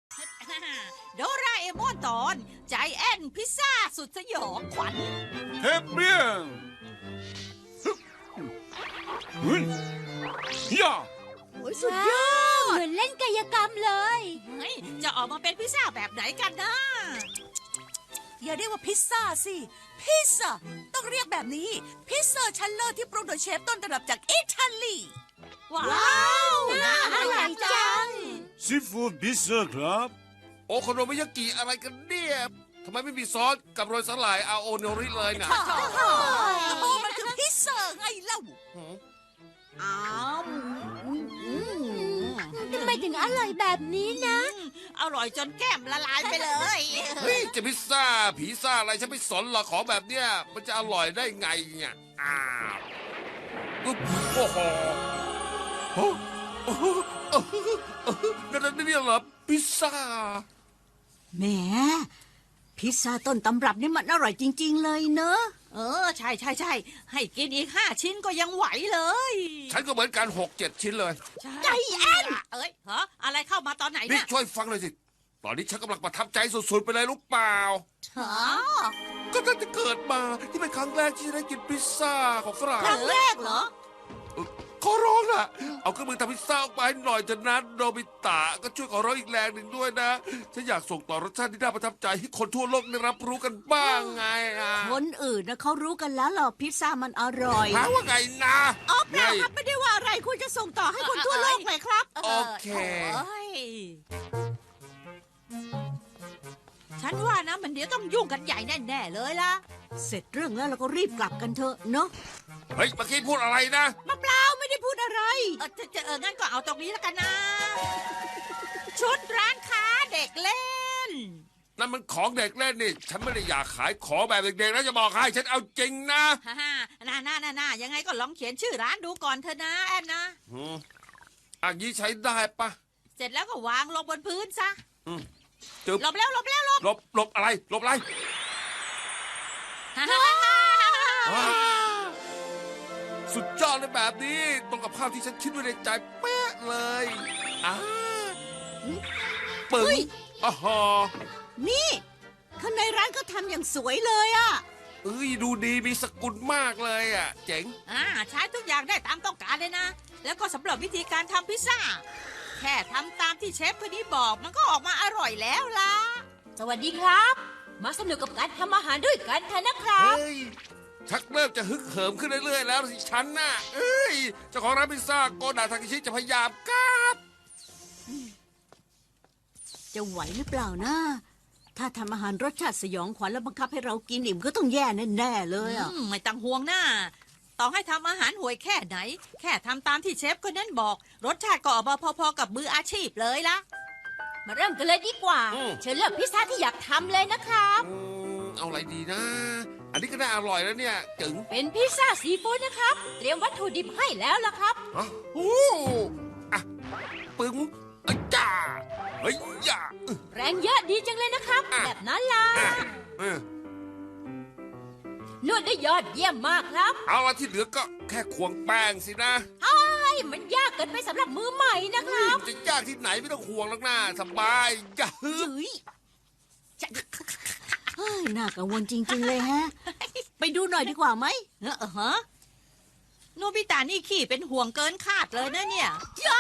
โดราเอมอนตอนใจแอนพิซซ่าสุดสยองขวัญ Très bien. เฮ้ยย่าโอ้ยสุดยอดเหมือนเล่นกายกรรมเลยเฮ้ยจะออกมาเป็นพิซซ่าแบบไหนกันนะอย่าเรียกว่าพิซซ่าสิ พิซซ่าต้องเรียกแบบนี้ พิซซ่าชั้นเลิศที่ปรุงโดยเชฟต้นตำรับจากอิตาลีว้าวน่าอร่อยจังซีฟู้ดพิซซ่าครับโอโคโนมิยากิอะไรกันเนี่ยทำไมไม่มีซอสกับโรยสลายอาโอโนริเลยนะโอ้มันคือพิซซ่าไงเล่าอ้าวทำไมถึงอร่อยแบบนี้นะอร่อยจนแก้มละลายไปเลยเฮ้ยจะพิซซ่าผีซ่าอะไรฉันไม่สนหรอกของแบบเนี้ยมันจะอร่อยได้ไงเนี่ยอ้าวอุ๊บโอ้โหโอ้โหนั่นนี่เหรอพิซซ่าแหมพิซซ่าต้นตำรับนี่มันอร่อยจริง ๆ เลยเนอะใช่ให้กินอีก5 ชิ้นก็ยังไหวเลยฉันก็เหมือนกัน6-7 ชิ้นเลยใจแอนเอ้ยเหรออะไรเข้ามาตอนไหนนี่เนี่ยช่วยฟังเลยสิตอนนี้ฉันกำลังประทับใจสุดๆไปเลยรู้เปล่าฮะก็ตั้งแต่เกิดมาที่เป็นครั้งแรกที่ฉันได้กินพิซซ่าของฝรั่งครั้งแรกเหรอขอร้องล่ะ เอาเครื่องมือทำพิซซ่าออกมาให้หน่อยเถอะนะโนบิตะก็ช่วยขอร้องอีกแรงหนึ่งด้วยนะ ฉันอยากส่งต่อรสชาติที่น่าประทับใจให้คนทั่วโลกได้รับรู้กันบ้างไงอ่ะคนอื่นนะเขารู้กันแล้วหรอพิซซ่ามันอร่อยหาว่าไงนะอ๋อเปไงล่าครับไม่ได้ว่าอะไรคุณจะส่งต่อให้คนทั่วโลกเลยครับโอเคโอ้ยฉันว่านะมันเดี๋ยวต้องยุ่งกันใหญ่แน่ๆเลยล่ะเสร็จเรื่องแล้วเราก็รีบกลับกันเถอะเนาะเฮ้ยเมื่อกี้พูดอะไรนะมาเปล่าไม่ได้พูดอะไรงั้นก็เอาตรงนี้แล้วกันนะ ชุดร้านค้าเด็กเล่นนั่นมันของเด็กเล่นนี่ ฉันไม่ได้อยากขายของแบบเด็กๆนะจะบอกให้ฉันเอาจริงนะฮ่าฮ่าน่ายังไงก็ลองเขียนชื่อร้านดูก่อนเถอะนะแอนนะอืมอันนี้ใช้ได้ปะเสร็จแล้วก็วางลงบนพื้นซะจึ๊บหลบแล้วหลบอะไรหลบอะไรฮ่าฮ่าฮ่าว้าวสุดยอดเลยแบบนี้ตรงกับภาพที่ฉันคิดไว้ในใจเป๊ะเลยอ่าปึ้งอ๋อนี่ข้างในร้านก็ทำอย่างสวยเลยอะเอ้ยดูดีมีสกุลมากเลยอ่ะ เจ๋งใช้ทุกอย่างได้ตามต้องการเลยนะ แล้วก็สำหรับวิธีการทำพิซซ่า แค่ทำตามที่เชฟคนนี้บอกมันก็ออกมาอร่อยแล้วล่ะสวัสดีครับ มาสนุกกับการทำอาหารด้วยกันเถอะนะครับเฮ้ย ชักเริ่มจะฮึกเหิมขึ้นเรื่อยๆแล้วสิฉันน่ะเอ้ยเจ้าของร้านพิซซ่าโกดาทากิชิจะพยายามครับจะไหวหรือเปล่านะถ้าทำอาหารรสชาติสยองขวัญแล้วบังคับให้เรากินอิ่มก็ต้องแย่แน่ๆเลยอะไม่ต้องห่วงนะต่อให้ทำอาหารห่วยแค่ไหน แค่ทำตามที่เชฟคนนั้นบอก รสชาติก็ออกมาพอๆกับมืออาชีพเลยละมาเริ่มกันเลยดีกว่า เชิญเลือกพิซซ่าที่อยากทำเลยนะครับเอาอะไรดีนะ อันนี้ก็น่าอร่อยแล้วเนี่ยจึงเป็นพิซซ่าซีฟู้ดนะครับ เตรียมวัตถุดิบให้แล้วล่ะครับฮะโอ้อะปึ้งอะจ้าเฮ้ยย่าแรงเยอะดีจังเลยนะครับ แบบนั้นล่ะเออนวดได้ยอดเยี่ยมมากครับเอาละที่เหลือก็แค่ควงแป้งสินะไอ้มันยากเกินไปสำหรับมือใหม่นะครับจะยากที่ไหนไม่ต้องห่วงหรอกนะสบายอย่าฮึบเฮ้ยเฮ้ยน่ากังวลจริง ๆ เลยฮะ ไปดูหน่อยดีกว่าไหมฮะโนบิตานี่ขี้เป็นห่วงเกินคาดเลยนะเนี่ย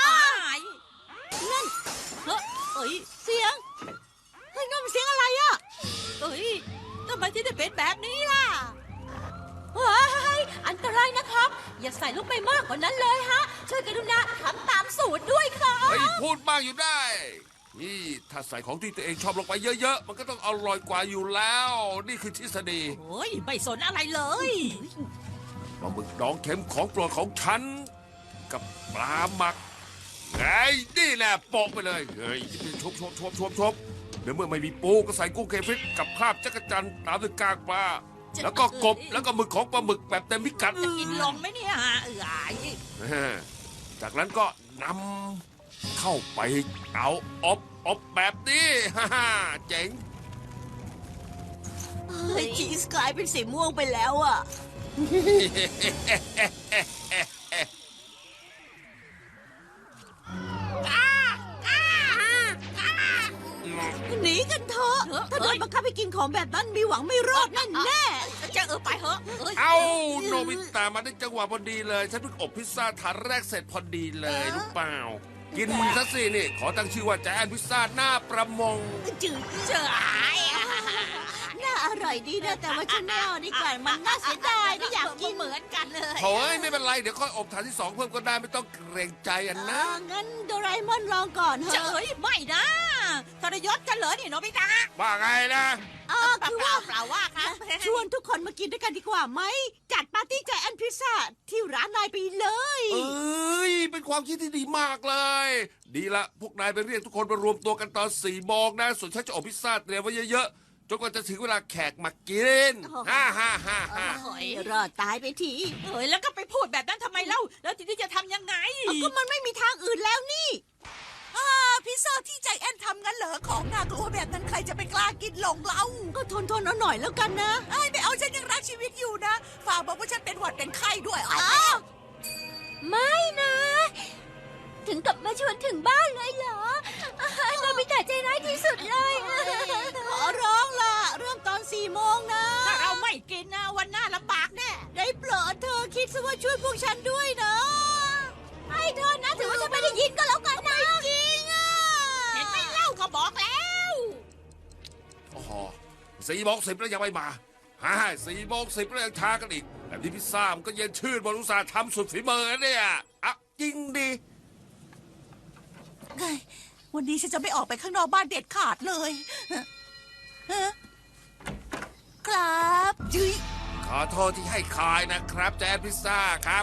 นั่นเอ้ยเสียงเฮ้ยนั่นมันเสียงอะไรอะเอ้ยทำไมที่ได้เป็นแบบนี้ล่ะว้ายอันตรายนะครับ อย่าใส่ลูกไปมากกว่านั้นเลยฮะ ช่วยกรุณาทำตามสูตรด้วยครับเฮ้ยพูดมากอยู่ได้ นี่ถ้าใส่ของที่ตัวเองชอบลงไปเยอะๆ มันก็ต้องอร่อยกว่าอยู่แล้ว นี่คือทฤษฎีโอ้ยไม่สนอะไรเลยปลาหมึกดองเค็มของโปรดของฉัน กับปลาหมักไงนี่แหละโปะไปเลยเฮ้ยชบเดี๋ยวเมื่อไม่มีปูก็ใส่กุ้งเคฟิตกับคราบจักรจันทร์ตามด้วยกากปลาแล้วก็กบแล้วก็หมึกของปลาหมึกแบบเต็มพิกัดจะกินลงไหมเนี่ยจากนั้นก็นำเข้าไปเอาอบแบบนี้ ฮ่าฮ่าเจ๋งเฮ้ยชีสกลายเป็นสีม่วงไปแล้วอะอหนีกันเถอะถ้าโดนบังคับให้กินของแบบนั้นมีหวังไม่รอดแน่แน่จะไปเหอะยเอาโนบิตะมาได้จังหวะพอดีเลย ฉันเพิ่งอบพิซซ่าถาดแรกเสร็จพอดีเลยรู้เปล่า กินซะสินี่ ขอตั้งชื่อว่าใจแอนพิซซ่าหน้าประมงจืดเจ๋ยน่าอร่อยดีนะแต่ว่าฉันไม่เอาดีกว่ามันน่าเสียดายไม่อยากกินเหมือนกันเลยโถ่ไม่เป็นไร เดี๋ยวค่อยอบถาดที่สองเพิ่มก็ได้ไม่ต้องเกรงใจอันนะงั้นโดราเอมอนลองก่อนเถเจ๋อะยไม่นะทรยศกันเหรอนี่โนบิตะว่าไงนะคือว่าเปล่าว่าครับชวนทุกคนมากินด้วยกันดีกว่าไหมจัดปาร์ตี้ใจแอนพิซซ่าที่ร้านนายไปเลยเอ้ย เป็นความคิดที่ดีมากเลย ดีละ พวกนายไปเรียกทุกคนมารวมตัวกันตอน4 โมงนะ ส่วนฉันจะอบพิซซ่าเตรียมไว้เยอะๆ จนกว่าจะถึงเวลาแขกมากินฮ่าฮ่าฮ่าฮ่ารอดตายไปทีเฮ้ยแล้วก็ไปพูดแบบนั้นทำไมเล่าแล้วทีนี้จะทำยังไงก็มันไม่มีทางอื่นแล้วนี่พิซซ่าที่ใจแอนทำงั้นเหรอของน่ากลัวแบบนั้นใครจะไปกล้ากินหลงเราก็ทนเอาหน่อยแล้วกันนะไม่เอาฉันยังรักชีวิตอยู่นะฝากบอกว่าฉันเป็นหวัดเป็นไข้ด้วยไม่นะ ถึงกับมาชวนถึงบ้านเลยเหรอโนบิตะใจร้ายที่สุดเลยขอร้องล่ะเริ่มตอน4 โมงนะถ้าเราไม่กินนะวันหน้าลำบากแน่ได้โปรดเธอคิดซะว่าช่วยพวกฉันด้วยนะให้เธอนะถือว่าฉันไม่ได้ยินก็แล้วกันนะจริงอ่ะเห็นไหมเล่าก็บอกแล้วโอ้โห4 โมง 10แล้วยังไม่มาฮ่า4 โมง 10แล้วยังช้ากันอีกแบบนี้พิซซ่ามันก็เย็นชื่นบนอุตสาห์ทำสุดฝีมือเนี่ยอ่ะจริงดิวันนี้ฉันจะไม่ออกไปข้างนอกบ้านเด็ดขาดเลยครับจุ๊ยขอโทษที่ให้คายนะครับแจนพิซซ่าครับ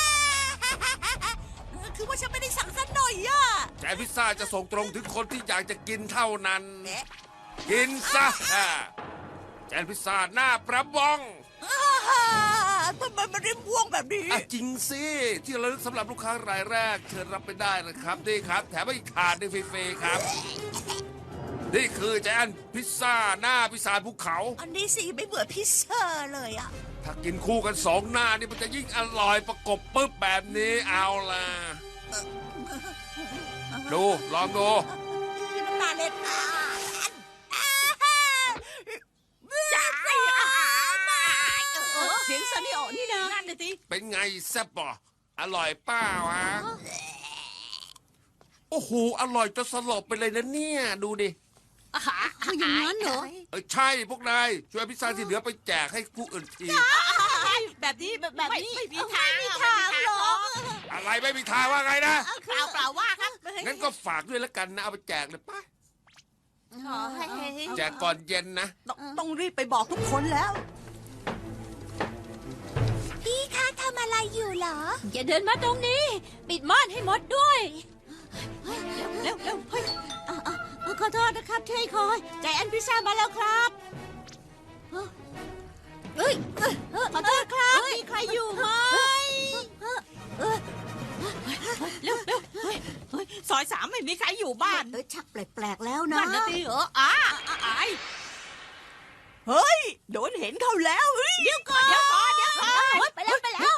คือว่าฉันไม่ได้สั่งสักหน่อยอ่ะแจนพิซซ่าจะส่งตรงถึงคนที่อยากจะกินเท่านั้น กินซะแจนพิซซ่าหน้าประบองทำไมมันริมพ่วงแบบนี้อ่ะจริงสิที่ระลึกสำหรับลูกค้ารายแรกเชิญรับไปได้นะครับนี่ครับ แถมอีกถาดหนึงฟรีๆครับ นี่คือแจนพิซซ่าหน้าพิซซ่าภูเขาอันนี้สิไม่เบื่อพิซซ่าเลยอ่ะถ้ากินคู่กัน2 หน้านี่มันจะยิ่งอร่อยประกบปึ๊บแบบนี้เอาล่ะ ดูลองดูน้ำตาเล็ดจ้าเสียงซันนี่ออกนี่นะนั่นน่ะสิเป็นไงแซ่บป่ะอร่อยเปล่าวะโอ้โหอร่อยจนสลบไปเลยนะเนี่ย ดูดิคืออย่างนั้นเหรอใช่พวกนายช่วยพิซซ่าที่เหลือไปแจกให้ผู้อื่นทีแบบนี้แบบนี้ไม่มีทางไม่มีทางหรอกอะไรไม่มีทางว่าไงนะเปล่าว่าครับงั้นก็ฝากด้วยแล้วกันนะเอาไปแจกเลยป่ะขอให้แจกก่อนเย็นนะต้องรีบไปบอกทุกคนแล้วพี่คะทำอะไรอยู่เหรอ อย่าเดินมาตรงนี้ ปิดม่านให้หมดด้วยเร็วเฮ้ยขอโทษนะครับที่ให้คอยใจแอนพิซซ่ามาแล้วครับเฮ้ยขอโทษครับมีใครอยู่ไหมเร็วซอย3ไม่มีใครอยู่บ้านชักแปลกๆแล้วนะนั่นนะสิอายเฮ้ยโดนเห็นเขาแล้วเดี๋ยวก่อนไปแล้วไปแล้ว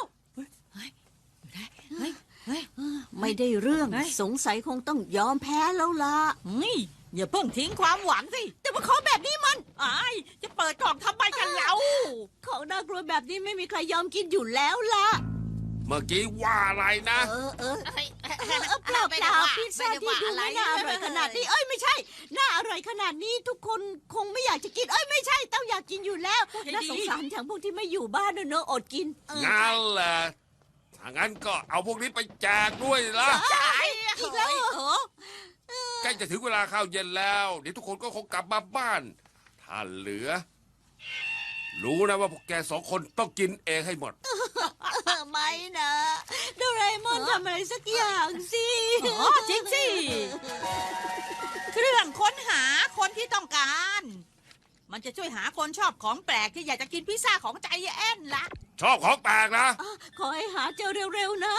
ไม่ได้เรื่องสงสัยคงต้องยอมแพ้แล้วล่ะอย่าเพิ่งทิ้งความหวังสิแต่ว่าของแบบนี้มันอายจะเปิดกล่องทำไมกันเราของน่ากลัวแบบนี้ไม่มีใครยอมกินอยู่แล้วล่ะเมื่อกี้ว่าอะไรนะเปล่าพิซซ่าที่ดูไม่น่าอร่อยขนาดนี้ไม่ใช่ น่าอร่อยขนาดนี้ทุกคนคงไม่อยากจะกินไม่ใช่ต้องอยากกินอยู่แล้วน่าสงสารอย่างพวกที่ไม่อยู่บ้านเนอะอดกินงั้นแหละถ้างั้นก็เอาพวกนี้ไปแจกด้วยละอีกแล้วเหรอใกล้จะถึงเวลาข้าวเย็นแล้วเดี๋ยวทุกคนก็คงกลับมาบ้าน ถ้าเหลือ รู้นะว่าพวกแก2 คนต้องกินเองให้หมดไม่นะโดราเอมอนทำอะไรสักอย่างสิจริงสิเครื่องค้นหาคนที่ต้องการ มันจะช่วยหาคนชอบของแปลกที่อยากจะกินพิซซ่าของใจแอนละชอบของแปลกนะขอให้หาเจอเร็วๆนะ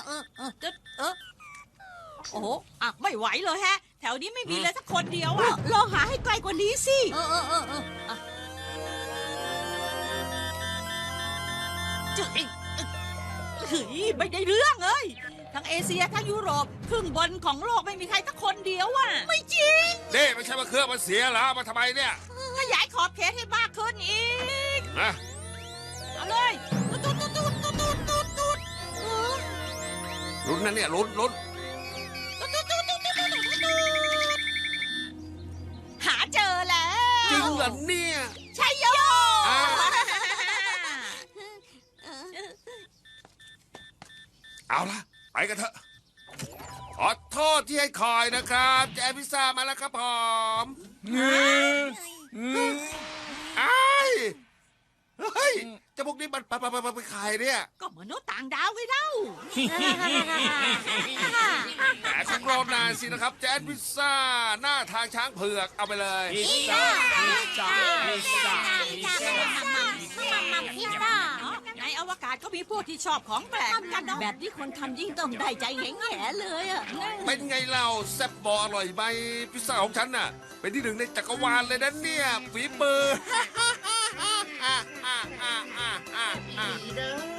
โอ้โหไม่ไหวเลยแฮะ แถวนี้ไม่มีเลยสักคนเดียวลองหาให้ไกลกว่านี้สิจืดเฮ้ยไม่ได้เรื่องเลยทั้งเอเชียทั้งยุโรปครึ่งบนของโลกไม่มีใครสักคนเดียวอ่ะไม่จริงเด้ไม่ใช่ว่าเครื่องมันเสียแล้วมาทำไมเนี่ยขยายขอบเขตให้มากขึ้นอีกนะเอาเลยตูดตูดตูดตูดตูดตูดตูดลุ้นนะเนี่ยลุ้นหาเจอแล้วจริงเหรอเนี่ยใช่โยอ่า เอาละไปกันเถอะขอโทษที่ให้คอยนะครับแจพิซซ่ามาแล้วครับผมไอ้ายเฮ้ยเจาพวกนี้มันไปขายเนี่ยก็มนุษย์ต่างดาวไงเล่าแต่คงรอนานสินะครับแจพิซซ่าหน้าทางช้างเผือกเอาไปเลยพิซซ่าพิซซ่าพิซซ่าพิซซ่ามัมพิซซ่าในอวกาศก็มีพวกที่ชอบของแปลกกันเนาะแบบที่คนทำยิ่งต้องได้ใจแง่ๆเลยอะเป็นไงเล่าแซ่บบออร่อยไหมพิซซ่าของฉันน่ะ เป็นที่หนึ่งในจักรวาลเลยนะเนี่ยฝีมือ